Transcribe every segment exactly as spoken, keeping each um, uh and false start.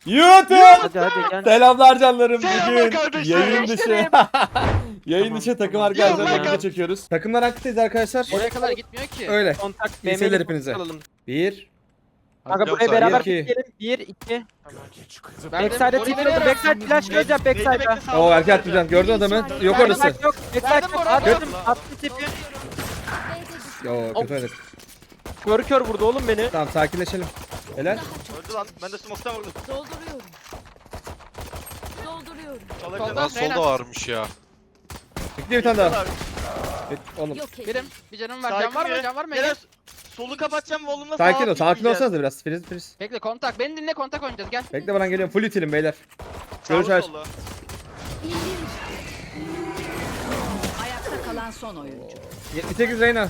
YouTube. Hadi hadi gel. Selamlar canlarım. Selamlar Bugün kardeşlerim. yayın dışı yayın Tamam, dışı takım tamam. arkadaşlarla Tamam. video çekiyoruz. Takımlar aktifteyiz arkadaşlar. Oraya kadar gitmiyor ki. Öyle. Kontak İyi B seyirler M'li hepinize. alalım. Bir. Kanka buraya Biliyorum beraber sadece. gidelim. bir iki. Ben de Backside'e oraya titriyordu. veriyorum. Backside flash göreceğim backside'a. Oo erken atmayacaksın. Gördün adamı. Yok orası. Backside yok. Backside Verdim yok. oraya. Attım. Attım tipi. Yo kötü oynadık. Kör kör vurdu oğlum beni. Tamam sakinleşelim. Helal. Öldü lan. Ben de smoke'tan vurdum. Dolduruyorum. Dolduruyorum. Çalabilir. Solda. Lan solda varmış ya. Bekle bir tane daha. Evet, oğlum. Yok edin. Birim. Bir canım var. Sakin Can var mı? bir- Can var mı? Gel, solu kapatacağım volumla Sakin ol. Sakin olsanız da biraz. Friz friz. Bekle kontak. Beni dinle kontak oynayacağız. Gel. Bekle bana geliyorum. Full itilim beyler. Görüş aç. Ayakta kalan son oyuncu. yetmiş sekiz Reyna.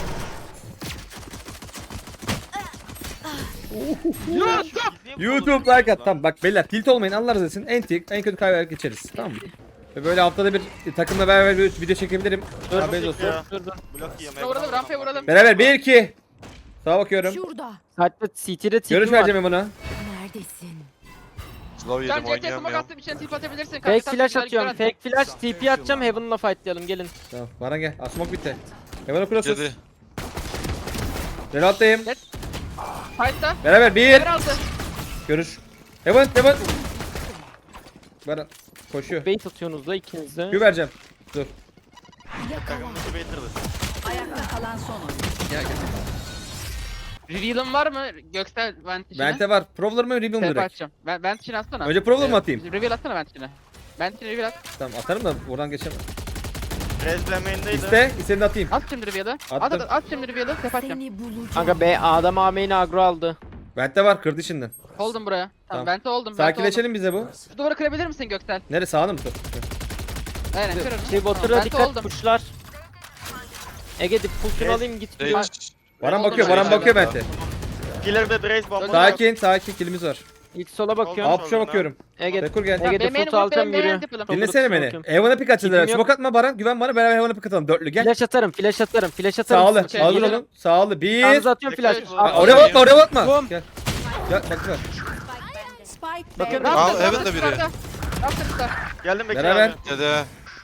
YouTube like at. Tamam bak beyler tilt olmayın Allah razı olsun. En tik en kötü kaybeder geçeriz. Tamam mı? Ve böyle haftada bir takımla beraber bir video çekebilirim. Dur Haberiniz olsun. Dur dur. Blok yiyorum. Şuna vuralım. Rampaya vuralım. Beraber bir iki. Sağa bakıyorum. Şurada. Hatta C T'de tipi Görüş var. vereceğim buna. Neredesin? Slow Can yedim C T'ye smoke oynayamıyorum. attım. İçine tip atabilirsin. Fake Karşı flash tarafta atıyorum. güzel Fake flash T P atacağım. Heaven'la fightlayalım gelin. Tamam bana gel. Asmak bitti. Hemen okuyorsunuz. Dedi. Reload'dayım. Fight'ta. Beraber bir. Yer aldı. Görüş. Hemen hemen. Bana koşuyor. Bait atıyorsunuz da ikiniz de. Q vereceğim. Dur. Yakala. Motivator'dı. Ayakta kalan son oyuncu. Reveal'ın var mı? Göksel vent içine. Vente var. Provler mı reveal mı Tepe direkt? atacağım. Ben vent içine atsana. Önce provler mı atayım? Reveal atsana vent içine. Vent içine reveal at. Tamam atarım da buradan geçemem. Rezben main'deydi. İste. İstediğini atayım. At şimdi reveal'ı. At Attım. at at şimdi reveal'ı. Tepe atacağım. Seni bulacağım. Kanka B adam A main'i agro aldı. Vente var. Kırdı şimdiden. Hold'um buraya. Tamam. Tamam vente oldum. Vente oldum. Sakinleşelim bize bu. Şu duvarı kırabilir misin Göksel? Nere sağını mı tut? Aynen kırarım. Şey Tamam, Water'a vente dikkat oldum. pushlar. Ege dip push'unu Yes. alayım git. Sage. Baran Oldu bakıyor. mu? Baran bakıyor vente. Killer ve Braze bomba. Sakin. Sakin. Kilimiz var. İlk sola bakıyorum. Oldu. Alt bakıyorum. Ege Rekur gel. Ege Benim default benim alacağım benim yürüyor. yapalım. Top- Dinlesene beni. bakıyorum. Evan'a pik açıldılar. Tipim yok. Smoke atma Baran. Güven bana. Beraber Evan'a pik atalım. Dörtlü gel. Flash atarım, flash atarım, flash atarım. Sağlı. Siz- Hazır Geliyorum. olun. Sağlı. Bir. Yalnız atıyorum flash. Bekle. Aa, Aa, oraya bakma. Oraya bakma. Bum. Gel. Gel bak bak. Spike Bakın. B'de. Aa, evet de biri. Yaptım Geldim Bekir Beraber. abi. Dede.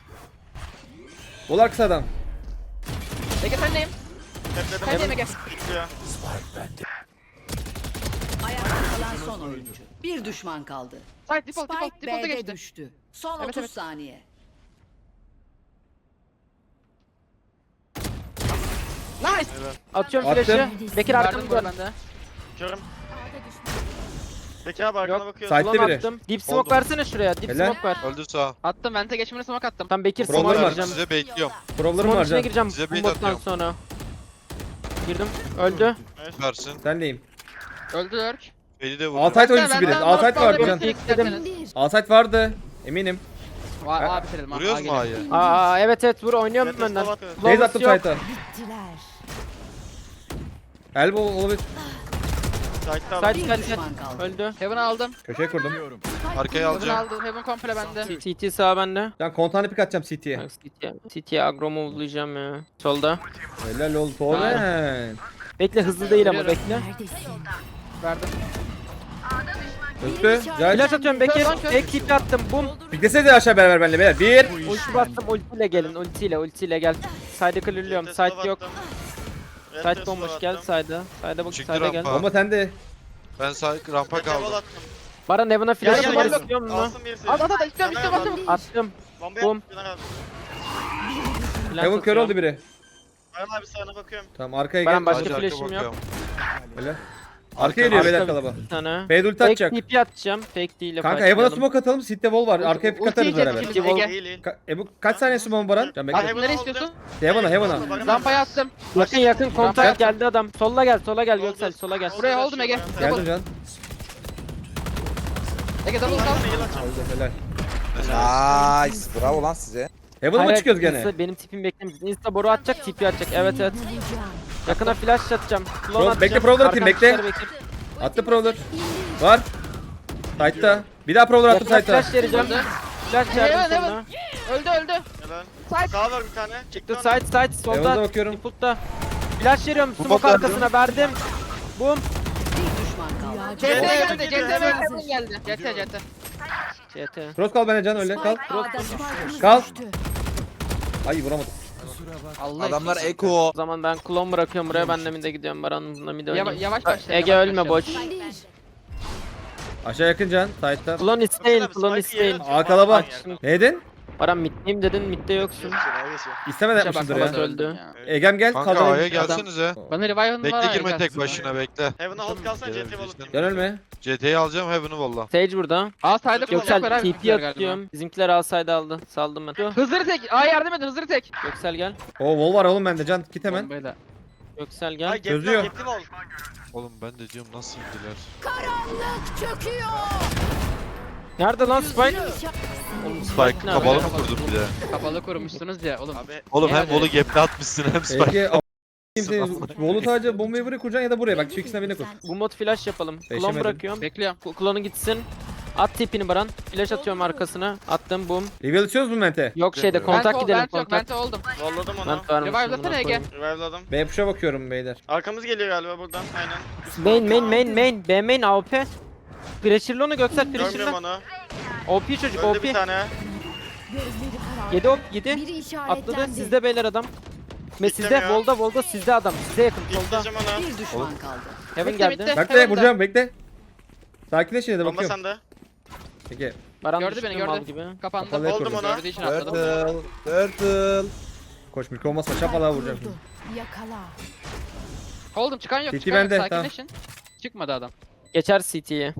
Ol kısa adam. Ege sen neyim? Tepledim. Sen neyim Ege? Bitiyor. Ayakta kalan son oyuncu. Bir düşman kaldı. Side default default Spike default'a B'de geçti. düştü. Son Evet, otuz evet. saniye. Nice. Atıyorum Attım. flash'ı. Bekir Verdim arkamı bunu dön. bende. Körüm. Bekir abi arkana Yok. bakıyor. Side- Ulan biri. attım. Deep smoke Oldu. versene şuraya. Deep Helal. smoke ver. Öldü sağ. Attım vente geçimine smoke attım. Tam Bekir Problem smoke var. gireceğim. Size bekliyorum. Problemim Smoke var içine can. gireceğim. Size Bu bait bottan atıyorum. sonra. Girdim. Öldü. Versin. Senleyim. Öldü lurk. Beni de vurdu. Alsayt oyuncusu biri. Alsayt var Yok, can. yok. Alsayt vardı. Eminim. Aa abi bitirelim. Vuruyoruz mu A'yı? Aa evet evet vur oynuyorum Evet, benden. evet, evet. Base Flawless attım yok. site'a. Bittiler. Elbow olabilir. Side'da Side abi. Bir side düşman side. kaldı. Öldü. Heaven'ı aldım. Köşeye kurdum. Arkaya Heaven'ı alacağım. aldım. Heaven komple bende. C T sağ bende. Can kontağını pik atacağım C T'ye. C T C T'ye agro move'layacağım ya. Solda. Helal ol Toren. Bekle hızlı değil ama Yürüyorum. bekle. Neredesin? Verdim. Öptü. Güzel. Flash atıyorum Bekir. Kör lan, kör. Fake tip attım. Bum. Piklesene de aşağı beraber benimle beyler. Bir. Ulti bastım. Ultiyle gelin. Ultiyle ultiyle gel. Side'ı clearlıyorum. Red Side slow yok. attım. Red Side slow bomboş gel attım. side'a. Side'a bak Çıktı side'a gel. rampa. Bomba sende. Ben sağ rampa Red wall kaldım. attım. Baran Evan'a Gel flash'ı gel var gel. istiyor musun? Alsın birisi. At at at istiyorum istiyorum Hemen attım. Attım. Bombaya Bom. at. Güven abi. Flash Heaven kör atıyorum. oldu biri. Baran abi sağına bakıyorum. Tamam arkaya Baran gel. başka Sadece arka flash'im yok. bakıyorum. Helal. Arkaya geliyor beyler Arka kalaba. bir tane. Fade ulti Fake atacak. T P atacağım. Fake değil. Kanka Heaven'a smoke atalım. Sit'te wall var. Arkaya pik Ulti atarız yiyecek beraber. şimdi. Değil, Ege. değil, değil. Ka- e bu kaç saniye bomba Baran? Can Aa, bekle. Heaven nereye istiyorsun? Heaven'a Heaven'a. Rampaya attım. Yakın yakın kontak Rampa- geldi adam. Solla gel sola gel Oldu. Göksel sola gel. Buraya oldum Ege. Geldim can. Ege double sal. Oldu helal. Nice. Bravo lan size. Heaven'a mı Hayır, çıkıyoruz gene? Insta- benim tipim beklemesin. Insta boru atacak, tipi atacak. Evet evet. Bulacağım. Yakına flash atacağım. Klon Pro- atacağım. bekle, Prowler atayım, Arkan bekle. dışarı Bekir. Attı Prowler. Var. Sight'ta. Bir daha Prowler attım Yakına Sight'ta. flash vereceğim. Flash Heaven, verdim Heaven. sonra. Öldü öldü. Helal. Sağ var bir tane. Çıktı Çıktı side side solda. Heaven'a bakıyorum. Input'ta. Flash veriyorum. Bu Smoke bot arkasına verdim. Boom. Bir düşman kaldı. Ağacı C T Geliyor, geldi. C geliyor, T hemen. geldi. C T C T. C T. Cross kal bana can öyle kal. Spike'ımız Kal. düştü. Ay vuramadım. Allah Adamlar için. Eko. O zaman ben klon bırakıyorum buraya, ben de mid'e gidiyorum. Baran'la mid'e Yava- oynayayım. Yavaş başla. Ege yavaş ölme başla. boş. İndir. Aşağı yakın can. Side'da. Klon isteyin, Baksana, klon Spike'ı yere isteyin. atıyor. Aa kalabalık. Aynen. Neydin? Baran mid'deyim dedin, mid'de yoksun. İstemeden Şuna bak, yapmışsındır baba ya. öldü. ya. Egem gel. Kanka Kadro. A'ya gelsenize. Bana revive'ın var. Bekle girme ya, tek gelsin. başına bekle. Heaven'a hold kalsana C T Gelebilirsin. balık. Gel ölme. C T'yi alacağım Heaven'ı valla. Sage burada. Aa sayda Göksel, koşacak var Göksel abi. T P atıyorum. Bizimkiler alsaydı aldı. Saldım ben. Hızır tek. Aa yardım edin hızır tek. Göksel gel. Oo wall var oğlum bende can. Git hemen. Bombayla. Göksel gel. Ay Çözüyor. gepli ol. Oğlum ben de diyorum nasıl indiler. Karanlık çöküyor. Nerede lan Spike? Oğlum, Spike ne kapalı yapıyor? mı kurdun bir de? Kapalı kurmuşsunuz ya oğlum. Abi Oğlum hem Yani- volu gap'le atmışsın hem Spike. Ege kimse Wall'u sadece bombayı buraya kuracaksın ya da buraya. Bak şu ikisinden birine kur. Bu mod flash yapalım. Klon Beşemedim. bırakıyorum. Bekliyorum. Ku- Klonu gitsin. At tipini Baran. Flash atıyorum arkasına. Attım boom. Reveal içiyoruz mu Mente? Yok şeyde Ben- kontak Ben gidelim yok, kontak. Vente oldum. valladım Ben onu. varmışım, Revive'lasana buna Ege. koyayım. Revive'ladım. B push'a bakıyorum beyler. Arkamız geliyor galiba buradan. Aynen. Main main main main. B main A W P. Pressure'lı onu Göksel Görmüyorum pressure'lı. onu. O P çocuk O Öldü bir P. tane. gözleri karardı. yedi op yedi. Biri Atladı. işaretlendi. Sizde beyler adam. Ve sizde Bitlemiyor. Volda Volda sizde adam. Size yakın solda. Bitleyeceğim onu. Bir düşman kaldı. Heaven Bitti, geldi. bitti. Bekle Heaven'da. vuracağım bekle. Sakinleş yine de Bomba bakıyorum. sende. Peki. Baran Gördü düştü beni, mal gördü. gibi. Kapandı. Kapalı Oldum kurdum. ona. Gördüğü için atladım. Turtle. Turtle. Koş mikro olmazsa şapalığa vuracağım. Vurdu. Yakala. Oldum çıkan yok. Titi Çıkan yok. bende, tamam. Sakinleşin. Çıkmadı adam. Geçer C T'ye.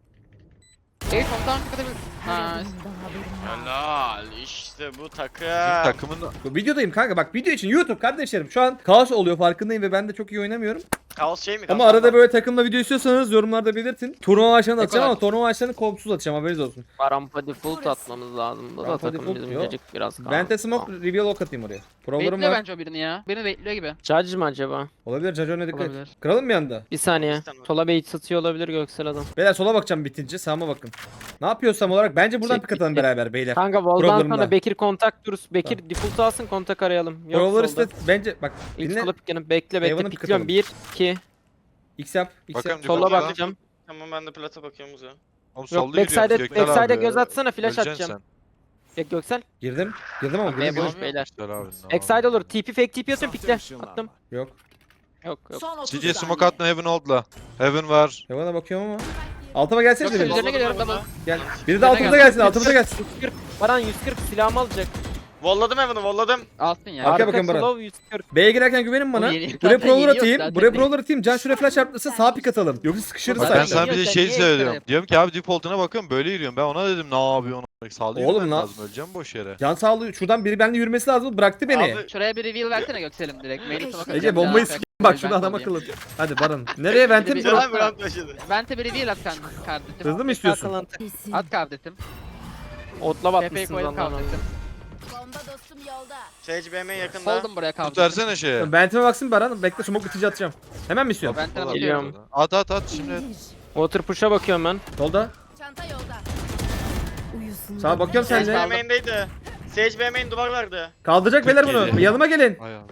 Ege komutan çıkabilir. Nice. Helal işte bu takım. Bizim takımın Bu videodayım kanka bak video için YouTube kardeşlerim. Şu an kaos oluyor farkındayım ve ben de çok iyi oynamıyorum. Kaos şey mi? Ama Kaos arada böyle takımla video istiyorsanız yorumlarda belirtin. Turnuva maçlarını atacağım Ekolar. ama turnuva maçlarını kompsuz atacağım haberiniz olsun. Barampa default atmamız lazım. Da Rampa takım default bizim yok. gecik biraz kaldı. Vente smoke reveal ok atayım oraya. Prolarım Bekliyor var. bence o birini ya. Birini bekliyor gibi. Judge mı acaba? Olabilir Cacon'a dikkat et. Olabilir. Kıralım mı yanda? Bir saniye. İstemem. Sola bait satıyor olabilir Göksel adam. Beyler sola bakacağım bitince sağıma bakın. Ne yapıyorsam olarak bence buradan Çek, pik atalım çek. beraber beyler. Kanka Vol'dan Problemler. sonra Bekir kontak durur. Bekir default alsın kontak arayalım. Yok Prolar solda. iste bence bak İlk dinle. sola piklerim. Bekle bekle Hayvanı pikliyorum. piklatalım. bir, iki. X yap. X Bakalım yap. default Sola ya. bakacağım. Tamam ben de plata bakıyorum uzağa. Oğlum Yok solda backside'e yürüyorsun Göksel backside'e abi. göz atsana flash Öleceksin atacağım. Ya Göksel. Girdim. Girdim ama B girdim. boş beyler. sen. Göksel abi. ne Backside yapalım? olur. T P fake T P atıyorum pikle. Attım. Yok. Yok yok. Son otuz C saniye. J smoke attın Heaven hold'la. Heaven var. Hayvana bakıyorum ama. Altıma gelsene Yoksa biri. üzerine geliyorum double. Gel. Biri de altımıza gelsin. Altımıza gelsin. yüz kırk. Baran yüz kırk silahımı alacak. Valladım Heaven'ı valladım. Alsın ya. Arkaya Arka bakın Baran. slow yüz kırk. B'ye girerken güvenin bana. O yeni- Buraya zaten prolar yeni yok, atayım. zaten Buraya yeni. prolar atayım. Can şuraya flash çarptırsa sağ pik atalım. Yoksa sıkışırız Bak Zaten ben zaten. sana bir de yiyorsan şey niye söylüyorum. ekstra Diyorum ki abi default'una bakıyorum böyle yürüyorum. Ben ona dedim ne yapıyorsun? Sağlıyor Oğlum ben lan. lazım öleceğim boş yere. Can sağlığı şuradan biri benimle yürümesi lazım. Bıraktı beni. Abi, Şuraya bir reveal versene Göksel'im direkt. Mail'i smoke Ece atacağım bombayı ya. s**eyim Ben bak şurada adam alayım. akıllı. Hadi Baran. Nereye vente mi? Bir- Güzel bir round başladı. Vente bir reveal at kan- kardeşim. Hızlı mı istiyorsun? Kesin. At kardeşim. Otla Tepeyi batmışsınız koydum lan. kardeşim. Bomba dostum yolda. Sage B M yakında. Hold'um buraya Tut kardeşim. versene şeye. Ventime baksın Baran. Bekle smoke bitince atacağım. Hemen mi istiyorsun? Vente Vallahi atıyorum. Geliyorum. At at at şimdi. İndir. Water push'a bakıyorum ben. Solda. Çanta yolda. Uyusun. Sağa bakıyorum sen Sage B de. M'indeydi. Sage B M'in duvar verdi. Kaldıracak beyler bunu. Geliyor. Yanıma gelin. Ay Allah.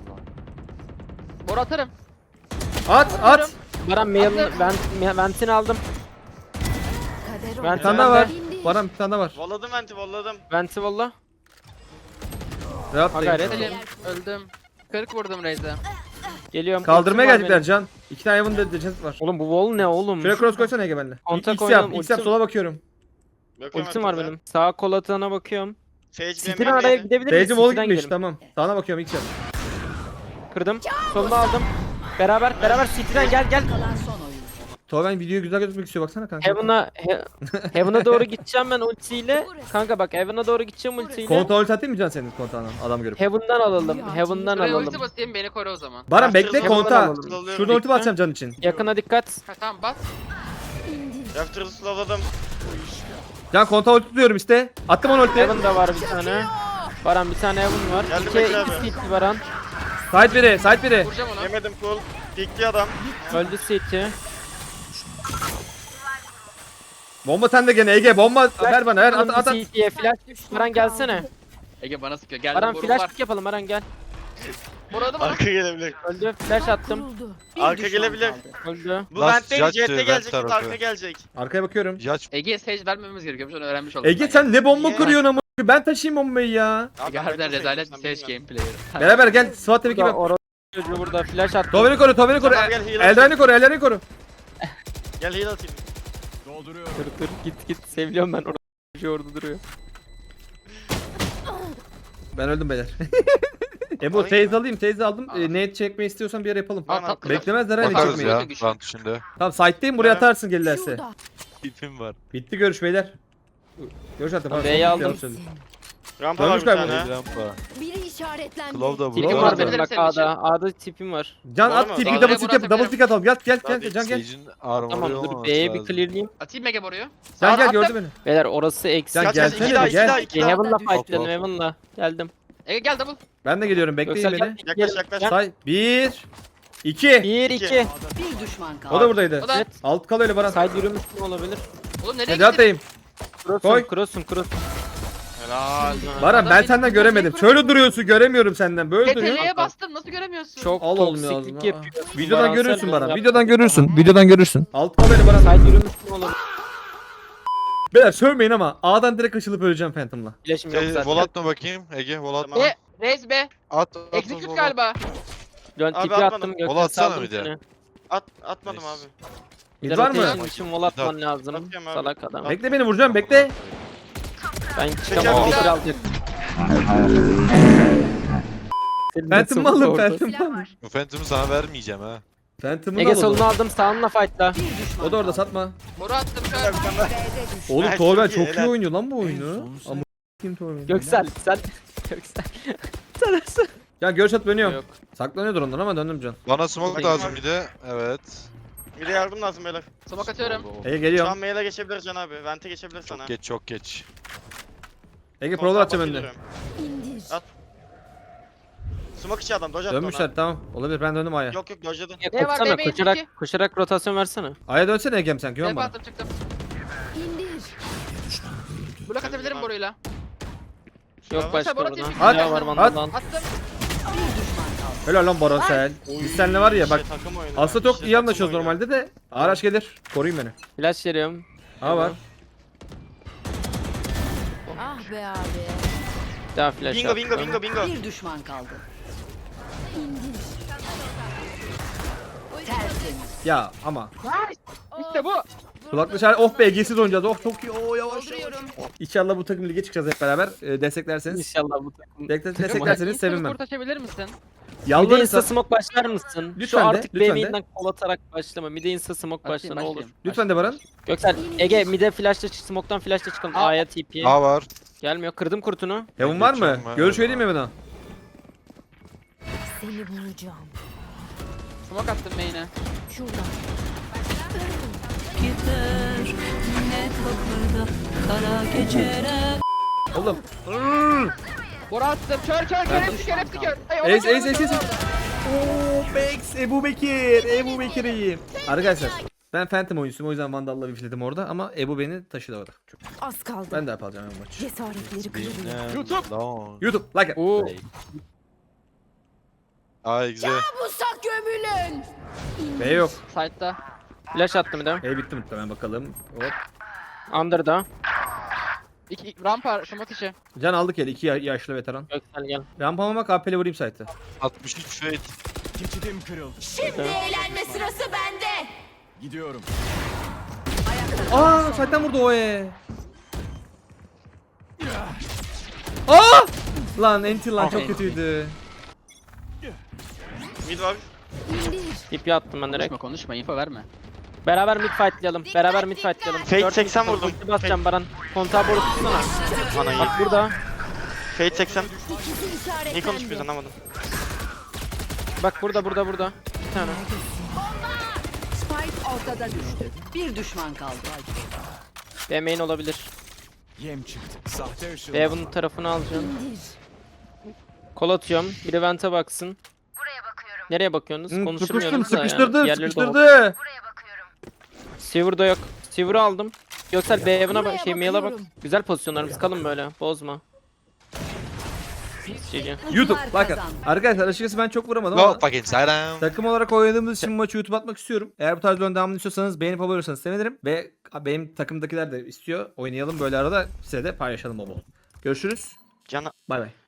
Bor atarım. At at. Baran mail'in vent, ventini aldım. Kader Ben Bir tane daha Ben var. de- Baran bir tane daha var. Valladım venti valladım. Venti valla. Rahat Ha değil. gayret. Selim. Öldüm. kırk vurdum Raze'e. Geliyorum. Kaldırmaya Ultim var gelecekler benim. Can. İki tane Evan de decent var. Oğlum bu wall ne oğlum? Şuraya cross koysana Ege benimle. Kontak X yap. oynayalım, X yap ultim- sola bakıyorum. Bakıyorum Ultim var arkada. benim. Sağa kol atağına bakıyorum. Sage B City'den araya M'indeydi. gidebilir miyiz? B'ci wall City'den gitmiş gidelim. tamam. Sağına bakıyorum X yap. Kırdım. Solunu aldım. Beraber beraber City'den gel gel. Kalan son oyun. Toben videoyu güzel gözükmek istiyor baksana kanka. Heaven'a he, Heaven'a doğru gideceğim ben ultiyle. Kanka bak Heaven'a doğru gideceğim ultiyle. Konta ulti atayım mı Can senin kontağına adam görüp. Heaven'dan alalım. Heaven'dan Şuraya alalım. ulti basayım beni koru o zaman. Baran bekle Heaven'dan konta. alalım. Şurada ulti basacağım Can için. Yakına dikkat. Ha tamam bas. İndir. Raptor'ı slowladım. Can konta ulti tutuyorum işte. Attım onu ulti. Heaven da var bir tane. Baran bir tane Heaven var. Geldim İki, bekle iki abi. City Baran. Side biri, side biri. Vuracağım onu. Yemedim cool. Pikli adam. Öldü City. Bomba sende gene Ege bomba ver bana ver at at at. City'ye flash. Baran gelsene. Ege bana sıkıyor. Geldim Baran borum var. flash pick yapalım Baran gel. Burada mı? Arka gelebilir. Öldü. Flash attım. Kuruldu. Bir Arka düşman gelebilir. kaldı. Öldü. Bu Last vent değil, judge, Jet'te vent gelecek, tarafı. arka gelecek. Arkaya bakıyorum. Yaç Ege'ye sage vermememiz gerekiyormuş onu öğrenmiş oldum. Ege ben sen ne bomba Niye? kırıyorsun ama? Ben taşıyayım bombayı ya. ya. Abi, Ege harbiden ben rezalet sen bir sage bilmiyorum. gameplayer. Beraber gel. SWAT tabii ki Burada bak. orası çocuğu burada flash attım. Toveni koru, Toveni koru. Tamam, gel, heal Eldivenini koru, eldivenini koru. Gel heal atayım. Kır kır git git. Seviliyorum ben orası çocuğu orada duruyor. Ben öldüm beyler. Ebu Alayım teyze mı? alayım, teyze aldım. Al. E, nade çekmeyi istiyorsan bir yer yapalım. Al tatlı. Beklemezler hani bakarız çekmeyi. ya Güçlü. rant içinde. Tamam site'deyim buraya Evet. atarsın gelirlerse. Şurada. Tipim var. Bitti görüş beyler. Görüş artık. Tamam, Pardon, B'yi bitti, aldım. yanlış söyledim. Rampa var Dönmüş bir galiba. tane. Rampa. Biri işaretlendi. Claw da Tipim Bravo. var burada. benim bak Senin için. A'da. A'da tipim var. Can Var at mı? tipi Daha double da- stick yap, double stick atalım. Gel gel gel Tabii. Can gel. Sage'in armor'u Tamam dur olmaması B'ye bir lazım. clearlayayım. Atayım Mega boruyu. Can Sağ gel attım. gördü beni. Beyler orası eksi. Can Kaç kaç, iki gelsene daha, de iki gel. daha, iki daha. Heaven'la Düştü. fightladım Hop, hop. Heaven'la. Geldim. Ege gel double. Ben de geliyorum bekleyin Göksel beni. gel. Yaklaş Gel. yaklaş. Gel. Say bir iki. Bir İki. iki. Bir düşman kaldı. O da buradaydı. O da. Evet. Alt kal öyle Baran. Side yürümüş mü olabilir? Oğlum nereye Hadi gittin? atayım. Cross'un Koy. cross'un cross. Helal. Baran Adam ben beni senden kırmızı göremedim. ekranı- Şöyle duruyorsun göremiyorum senden. Böyle duruyorsun. C T L'ye bastım nasıl göremiyorsun? Çok Al oğlum ya toksiklik ağzına. yapıyor. Videodan Baran görürsün sen Baran. yap. Videodan görürsün. Videodan görürsün. Alt kal öyle Baran. Side yürümüş mü olabilir? Beyler sövmeyin ama A'dan direkt açılıp öleceğim Phantom'la. Flash'im yok Şey, zaten. vol atma bakayım. Ege vol atma. Tamam. E, Reis B. At at. at, Execute vol at. galiba. Dön Abi tipi atmadım. attım Vol Gökhan atsana saldım bir de. seni. At, atmadım Nice. abi. Mid Bir var mı? rotation için vol atman lazım. Atıyorum abi. Salak adam. Bekle beni vuracağım bekle. Ben Çeker çıkamam. bir Fikir daha. alacak. Senin Phantom'ı nasıl alın oldu? Phantom'ı alın. Bu Phantom'u sana vermeyeceğim ha. Phantom'ı Ege da solunu alın. aldım sağınla fightla. Bir düşman O da orada kaldı. satma. Boru attım kör. B'de düştü. Oğlum Nice, Torben çok iyi, çok iyi helal. oynuyor lan bu oyunu. Ama kim Torben? Göksel sen. Göksel. Sen nasıl? Ya görüş at dönüyorum. Yok. Saklanıyordur ondan ama döndüm can. Bana smoke Bakayım lazım abi. bir de. Evet. Bir de yardım lazım beyler. Smoke atıyorum. Oldu, oldu. Ege Şu geliyorum. an mail'e geçebilir Can abi. Vente geçebilir sana. Çok geç çok geç. Ege Kontağa prolar atacağım bak önde. geliyorum. İndir. At. Smoke içi adam. Dodge attı Dönmüşler tamam. Olabilir ben döndüm A'ya. ona. Yok yok dodge'ladı. Ya Ne var, koşsana demeyin koşarak iki. koşarak rotasyon versene. A'ya dönsene Ege'm sen güven Tepe bana. attım çıktım. İndir. Blok atabilirim boruyla. Yok At. başka Bora burada. atayım. At. Ne var At. Vandal'dan? Attım. Bir düşman kaldı. Helal lan Baran sen. Biz seninle var ya bak. Şey, takım oyunu. Aslında çok İşte iyi takım anlaşıyoruz oyunu. normalde de. Araç gelir. Koruyun beni. Flash veriyorum. A var. Ah be abi. Daha flash Bingo bingo attım. bingo bingo. Bir düşman kaldı. İndir. Tertemiz. Ya ama. İşte bu. Kulaklı şarkı. Oh be Ege'siz oynayacağız. Oh çok iyi. Oh yavaş yavaş. İnşallah bu takım lige çıkacağız hep beraber. Ee, desteklerseniz. İnşallah bu takım. Destek- Desteklerseniz sevinmem. Kurt açabilir misin? Mide Yalvarırsa. insta smoke başlar mısın? Lütfen Şu de, artık lütfen B de. main'den kol atarak başlama. Mide insta smoke başla Başlayayım, ne olur. başlayayım. Lütfen de Baran. Göksel Ege mide flash'la çık smoke'tan flash'la çıkalım. Aa. A'ya T P. A var. Gelmiyor. Kırdım kurtunu. Heaven var mı? geçiyorum ben. Görüş vereyim mi bana? Seni bulacağım. Smoke attım main'e. Şuradan. Gider ne kapıda kara geceler. Oğlum. Boru attım. Kör kör kör hepsi kör hepsi kör. Ay, Ace ace ace ace. Ooo Bex Ebu Bekir. Ebu Bekir'iyim. Arkadaşlar. Ben Phantom oyuncusuyum o yüzden Vandal'la bifledim orada ama Ebu beni taşıdı orada. Çok. Az kaldı. Ben de yapacağım bu maçı. Cesaretleri kırılıyor. YouTube. Long. YouTube like it. Oo. Ay güzel. Musak gömülün. B yok. Side'da. Flash attım bir de. E bitti muhtemelen bakalım. Hop. Under'da. İki rampa smoke içi. Can aldık eli iki ya- yaşlı veteran. Göksel gel. Rampama bak A P'li vurayım site'ı. altmış üç fade. Şimdi eğlenme sırası bende. Gidiyorum. Aa site'den vurdu o e. Aa! Lan enti lan çok kötüydü. Mid var. İndir. T P attım ben direkt. Konuşma konuşma info verme. Beraber mid fightlayalım. Beraber mid fightlayalım. Fate Dört seksen mid var, vurdum. ulti basacağım Baran. Kontağı boru tutsana. Bana Bak burada. Fate seksen. İkisi Niye konuşmuyoruz işaretlendi. anlamadım. Bak burada burada burada. Bir tane. Spike ortada düştü. Bir düşman kaldı. B main olabilir. Yem çıktı. Sahte ışın. B bunun tarafını alacağım. İndir. Kol atıyorum. Biri vente baksın. Nereye bakıyorsunuz? Hı, Konuşmuyoruz sıkıştım da yani. sıkıştırdı Diğerleri de oldu. sıkıştırdı. Silver'da yok. Silver'ı aldım. Göksel B evine bak Buraya şey mail'e bak. bakıyorum. Güzel pozisyonlarımız kalın böyle. Bozma. G G. YouTube bakın. kazandı. Arkadaşlar açıkçası ben çok vuramadım Go ama fucking Saddam. takım olarak oynadığımız için maçı YouTube atmak istiyorum. Eğer bu tarz videonun devamını istiyorsanız beğenip abone olursanız sevinirim. Ve benim takımdakiler de istiyor. Oynayalım böyle arada, size de paylaşalım bol bol. Görüşürüz. Cana Bay bay.